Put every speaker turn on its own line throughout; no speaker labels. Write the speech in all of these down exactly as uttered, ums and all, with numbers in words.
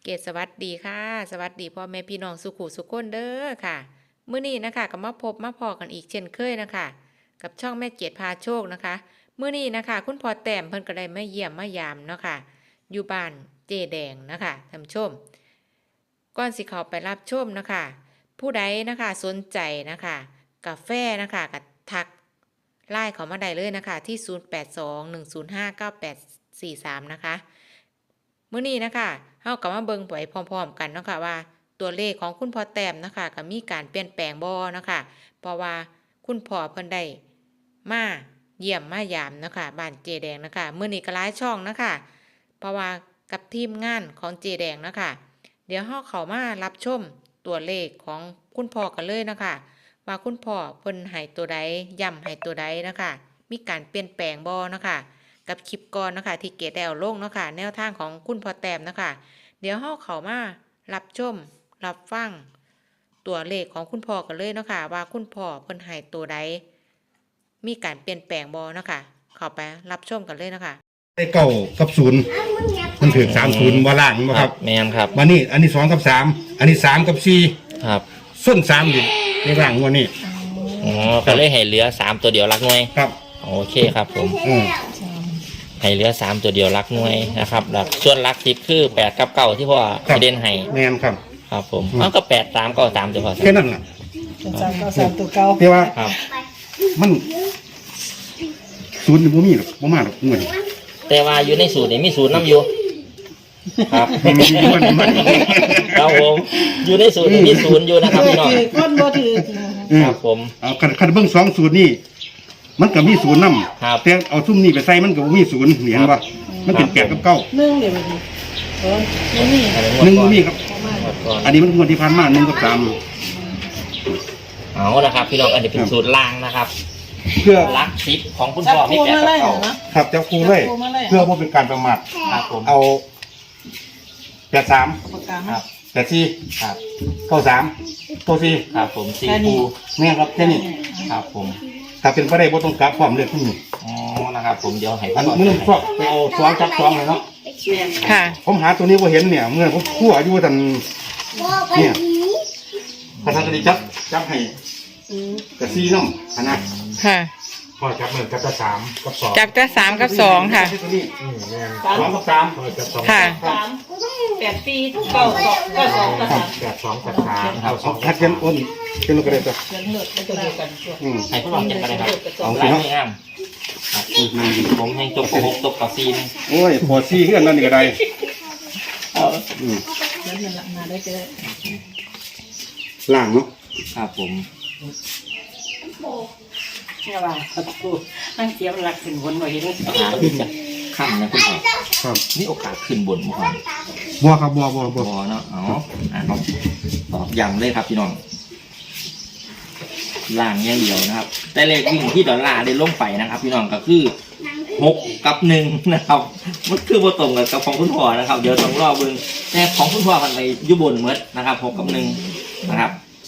เกศสวัสดีค่ะสวัสดีพ่อแม่พี่น้องสุขุสุขคนเด้อค่ะมื้อนี้นะคะก็มาพบมาพอกันอีกเช่นเคยนะคะกับช่องแม่เกศพาโชคนะคะมื้อนี้นะคะคุณพ่อแต้มเพิ่นก็ได้มาเยี่ยมมายามเนาะค่ะอยู่บ้านเจแดงนะคะท่านผู้ชมก่อนสิเข้าไปรับชมนะคะผู้ใดนะคะสนใจนะคะกาแฟนะคะก็ทักไลน์เข้ามาได้เลยนะคะที่ศูนย์ แปด สอง หนึ่ง ศูนย์ ห้า เก้า แปด สี่ สามนะคะมื้อนี้นะคะเฮาก็มาเบิ่งไปพร้อมๆกันเนาะค่ะว่าตัวเลขของคุณพ่อแต้มนะคะก็มีการเปลี่ยนแปลงบ่เนาะค่ะเพราะว่าคุณพ่อเพิ่นได้มาเยี่ยมมายามเนาะค่ะบ้านเจแดงนะคะมื้อนี้ก็หลายช่องนะคะเพราะว่ากับทีมงานของเจแดงนะคะเดี๋ยวเฮาเข้ามารับชมตัวเลขของคุณพ่อกันเลยนะคะว่าคุณพ่อเพิ่นให้ตัวใดย้ำให้ตัวใดนะคะมีการเปลี่ยนแปลงบ่เนาะค่ะกับคลิปก่อนนะคะที่เกดแอลลงเนาะค่ะแนวทางของคุณพ่อแต้มนะคะเดี๋ยวเฮาเข้ามารับชมรับฟังตัวเลขของคุณพ่อกันเลยเนาะค่ะว่าคุณพ่อเพิ่นให้ตัวใดมีการเปลี่ยนแปลงบ่เนาะค่ะเข้าไปรับชมกันเลยเนาะค่ะ
ได้เก้ากับศูนย์มันถึงสามศูนย์ว่าล่างบ่ครับ
แม่นครับ
วันนี้อันนี้สองกับสามอันนี้สามกับสี่
ครับ
ส้นสามอยู่ในล่างวันนี้
อ๋อก็เลยให้เหลือสามตัวเดียวรักหน่วย
ครับ
โอเคครับผม
อืม
ให้เหลือสามตัวเดียวรักหน่วยนะครับหลักส่วนรักสิบคือแปดกับเก้าที่พ่อให้เด่นให้
แม่นครับ
ครับผมเอาก็แปดสามเก้าสามตัวพอ
แค่นั้นล่ะ
สามเก้าสามตัวเก้า
แต่ว่า
ครับ
มันศูนย์บ่มีหรอกบ่มาหรอกงวดนี้
แต่ว่าอยู่ในสูตรนี่มีสูตรน้ำอยู่ครับ
มันมีมันมัน
ครับผมอยู่ในสูตรนี่มีศูนย์อยู่นะครับพี่น้อง
ก้นบ่ถือ
ครับผม
เอาคันเบิ่งสองสูตรนี่มันก็มีศูนย์นำแต่เอาซุ่มนี่ไปใส่มันก็บ่มีศูนย์เห็นบ่มันเป็นแปดกับเก้า
หนึ่งเดี๋ยวนี้โอ้ยนี่
หนึ่งบ่มีครับอันนี้มันงวดที่ผ่านมาหนึ่งกับสาม
เอาละครับพี่น้องอันนี้เป็นสูตรล่างนะครับ
เพื่อ
รักสิบของคุณพ่อพี่แปดกับเก้า
ครับจับคู่เลยเพื่อว่าเป็นการประมาท
ครับผม
เอาแปดสาม
ครับ
แปดสี่
ครับ
เก้าสามเก้าสี่
ครับผมสี่คู่
นี่ครับแค่นี้
ครับผม
ถ้าเป็นประเด็นบ่ต้องกลับความเลือกที่นี่
อ๋อนะครับผมเดี๋ยวให้
อันมือฟอกไปเอาสองจับสองเลยเนาะ
ค่ะ
ผมหาตัวนี้บ่เห็นเนี่ยเมื่อผมคั่วอยู่ทันเนี่ยพระท่านก็ได้จับจับให้กระซี่น้ำขนาด
ค่ะ
พอจับเหมือนจับตะสามกับสอง
จับจะสามกับสองค่ะ
สองกับสาม
ค่ะ
สามแปดสี่เก้าสองเก้าสองกับสาม
แปดสองแปดสามเก้าสองคัดกันอ้นเป็นลูกกระเด็นตัว
ให้ผู้ลองจับกันเลยครับเอาสิเนาะผมให้จบหกจบกับซีน
โอ้ยพอซีเพื่อนนั่นนี่ก็ได้
อืมแล้วมันมาได้เจอ
ล่างเนาะ
ครับผม
เนี่ยว่ากูนั่งเสียมหลักขึ้นบนไว้เห็น
หาขึ้นจากข้ามนะคุณพ่อ
ครับ
นี่โอกาสขึ้นบนมั้ง
บัวครับบัวบัวบัว
เนาะอ๋ออ่าครับตอบย้ำเลยครับพี่น้องล่างอย่างเดียวนะครับแต่เลขวิ่งที่ดอลลาร์ได้ลงไปนะครับพี่น้องก็คือหกกับหนึ่งนะครับมันคือว่าตรงกับของคุณพ่อนะครับเดี๋ยวต้องรอเบิ่งแต่ของคุณพ่อกันไปยุบนเมื่อนะครับหกกับหนึ่งนะครับ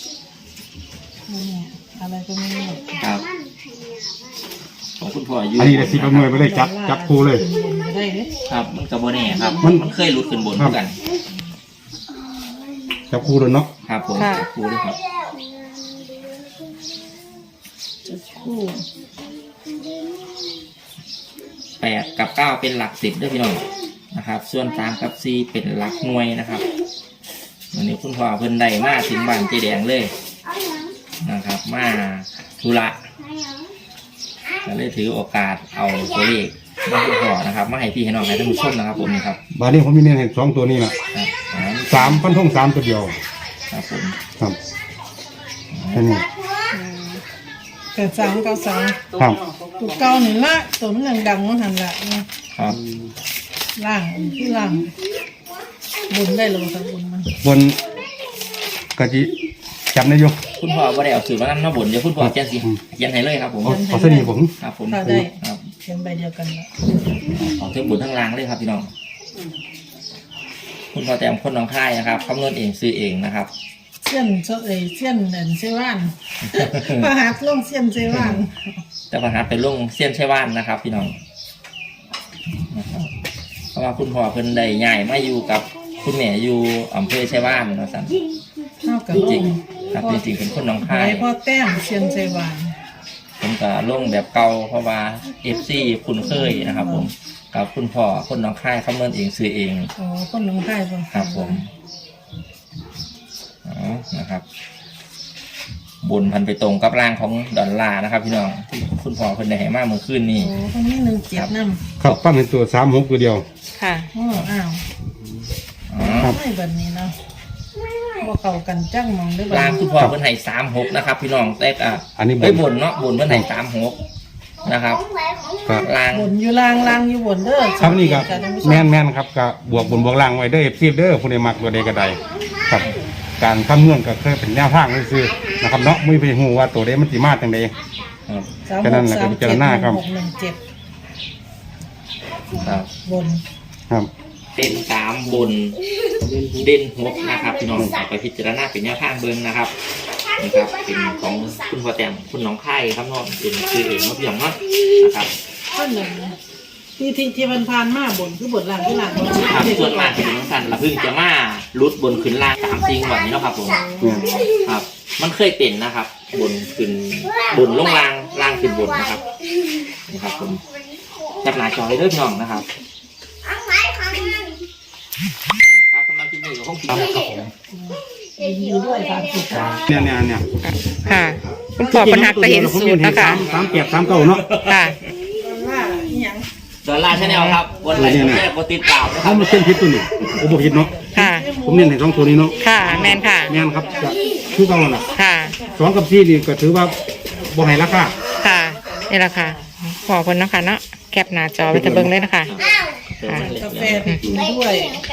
อะไรก็ไม่รู้
ครับของคุณพ่ออยู่
อันนี้ได้สิบหน่วยไปเลยจับจับคู่เลย
ครับมันกับโบแน่ครับมันมันเคยหลุดขึ้นบนเหมือนกัน
จับคู่เลยเนาะ
ครับผมจับคู่ด้วยครับ
คู่
แปดกับเก้าเป็นหลักสิบด้วยพี่น้องนะครับส่วนสามกับสี่เป็นหลักหน่วยนะครับวันนี้คุณพ่อเพิ่นได้มาถึงบ้านเจแดงเลยนะครับมาธุระก็เลยถือโอกาสเอาตัวเลขมาคุณพ่อนะครับมาให้พี่ให้น้องให้ท่านผู้ชมนะครับผมนี่ครับ
บ้านนี้ผมมีเน้นเห็นสองตัวนี้นะสามพันทงสามตัวเดียว
ครับผม
ครับแค่นี้
แต่สามเก้าสาม
ครับ
ตัวเก้าหนึ่งละตัวมันยังดังมันหันละ
ครับ
ล่างที่ล่างบนได้ลงสักบนมัน
บนกะจิจำได้อยู่
คุณพ่อว่าได้เอาสื่อมานั่งหน้าบนเดี๋ยวคุณพ่อเขียนสิเขียนให้เลยครับผม
เอาเส้นนี้ผม
ครับผม
ได้ครับเขียนใบเดียวกัน
เอาทั้งบนทั้งล่างเลยครับพี่น้องคุณพ่อแต้มคนน้องค่ายนะครับคำนวณเองซื้อเองนะครับ
เส้นเส้นเส้นเดินเซว่านประหัตลงเส้นเซว่าน
แต่ประหัตเป็นลงเส้นเซว่านนะครับพี่น้องเพราะว่าคุณพ่อเพิ่นได้ใหญ่มาอยู่กับคุณแม่อยู่อำเภอไชยวานเนาะสัน
เท่ากับ
จริงๆครับจริงๆเป็นคนหนอง
หา
คาย
ยพ่อแต้มเชียนไซวาน
ผมก็ลงแบบเก่าเพราะว่าเอฟซีคุณเคยนะครับผมกับคุณพ่อคนหนองคายคำนวณเองซื้อเอง
อ๋อคนหนองคายบ่
ครับผมอ๋อนะครับ บนพันไปตรงกับร่างของดอลลาร์นะครับ พี่น้องที่คุณพ่อคนได้ให้มาเมื่อคืนนี้
โอ้คนนี้หนึ่งเจ็ดน้
ครับปั้นเป็นตัวสามหกตัวเดียว
ค่ะ
ำอ๋ออ้าว
อ๋อ
ครับ
ไม่แบบนี้เนาะบ่เข้ากันจังมองได้บ่
ร่างคุณพ่อเพิ่นให้สามหกนะครับ พี่น้องแต่อ่ะ
อันนี้บ
เอ้ย
น
บนเนาะบนเพิ่นให้สามหกนะครับ
ครับ
ร่าง
บนอยู่ล่างล่างอยู่บนเด้อ
ครับนี่ครับ
สังเกตกันท่านผู้ช
แม่นแม่นครับกับบวกบนบวกล่างไว้เด้อเอฟซีเด้อผู้ใดมักตัวใดก็ได้ครับ การคำนวณก็เคยเป็นแนวทางซื่อๆนะครับเนาะไม่ไปหูว่าตัวใดมันสิมาจังใด
ครับ
สาม
แค่
ห
นั้น
ก
แหละ
สาม
ก็พิ
เจ็
จาร
ด
ณาครับ
หกหนึ่งเจ็ด
ครับ
บน
ครับ
เด่นสามบนเด่นหกนะครับ พี่น้องเอาไปพิจารณาเป็นแนวทางเบิ้งนะครับนะครับเป็นของคุณพ่อแต้มคุณน้องไข่ครับเน้องเป็นคือเองเนาะพี่น้องเนาะนะครับ
ข้อหนึ่งที่ที่ที่มันผ่านมาบนคือบนล่างที่ล่างบน
ครับส่วนมากเป็นน้องสันละเพึ่งจะมาลุดบนขึ้นล่างสามจริงวันนี้เนาะครับผม
แม่น
ครับ มันเคยเป็นนะครับ บนขึ้นบนลงล่างล่างขึ้นบนนะครับนะครับผมจับหน้าจอเลยเด้อพี่น้องนะครับครับสำหรับที่นี่ก็คงคิดครับผม
ยินดีด้วยครับสุดท้าย
เนี่ยเนี่ยเนี่ย
ค่ะ คุณพ่อปัญหาก็เห็นสูตรนะคะ
สามแปดสามเก้าเนาะ
ค่ะ
ว่าอีหยัง
ดอลลาร์ชาแนลครับวันไหนผมจะกดติดตามนะค
ถ้า
รับ
มันเส้นพิษตัวนี้ผมบอกพิษเนาะ
ค่ะ
ผมเน้นให้สองตัวนี้เนาะ
ค่ะ แมนค่ะ
แม่นครับจะคือเก่าแล้วล่ะ
ค่ะ ส
สองกับสี่นี่ก็ถือว่าบ่ให้ราคา
ค่ะ นี่แหละค่ะขอคนเนาะคะเนาะ แคปหน้าจอไว้จะเบิ่งเลยนะคะ
กาแฟไปกินด้วย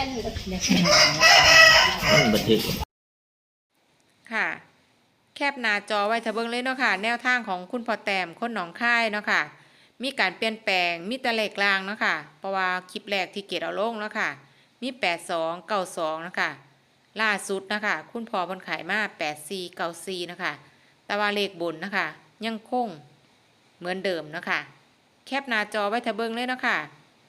บันทึก
ค่ะ แคปหน้าจอไว้ถ้าเบิ่งเลยเนาะค่ะ แนวทางของคุณพ่อแต้มคนหนองคายเนาะค่ะ มีการเปลี่ยนแปลง มีแต่เลขล่างเนาะค่ะ เพราะว่าคลิปแรกที่เกดเอาลงเนาะค่ะ มีแปดสองเก้าสองนะคะ ล่าสุดนะคะ คุณพ่อเพิ่นขายมาแปดสี่เก้าสี่นะคะ แต่ว่าเลขบนนะคะ ยังคงเหมือนเดิมนะคะ แคปหน้าจอไว้ถ้าเบิ่งเลยเนาะค่ะ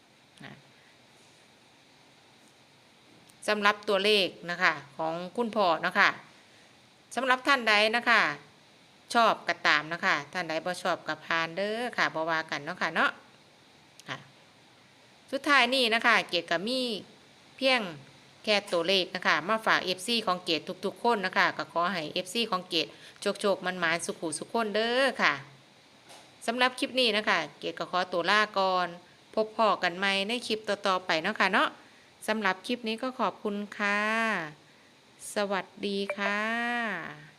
สำหรับตัวเลขนะคะ ของคุณพ่อเนาะค่ะสำหรับท่านใดนะคะ ชอบก็ตามนะคะท่านใดบ่ชอบก็ผ่านเด้อค่ะบ่ว่ากันเนาะค่ะเนาะค่ะ สุดท้ายนี้นะคะ เกดก็มีเพียงแค่ตัวเลขนะคะ มาฝาก เอฟ ซี ของเกดทุกๆคนนะคะก็ขอให้ เอฟ ซี ของเกดโชคๆมันหมานสุขุสุขคนเด้อค่ะสำหรับคลิปนี้นะคะ เกดก็ขอตัวลาก่อนพบพอกันใหม่ในคลิปต่อๆไปเนาะค่ะเนาะสำหรับคลิปนี้ก็ขอบคุณค่ะ สวัสดีค่ะ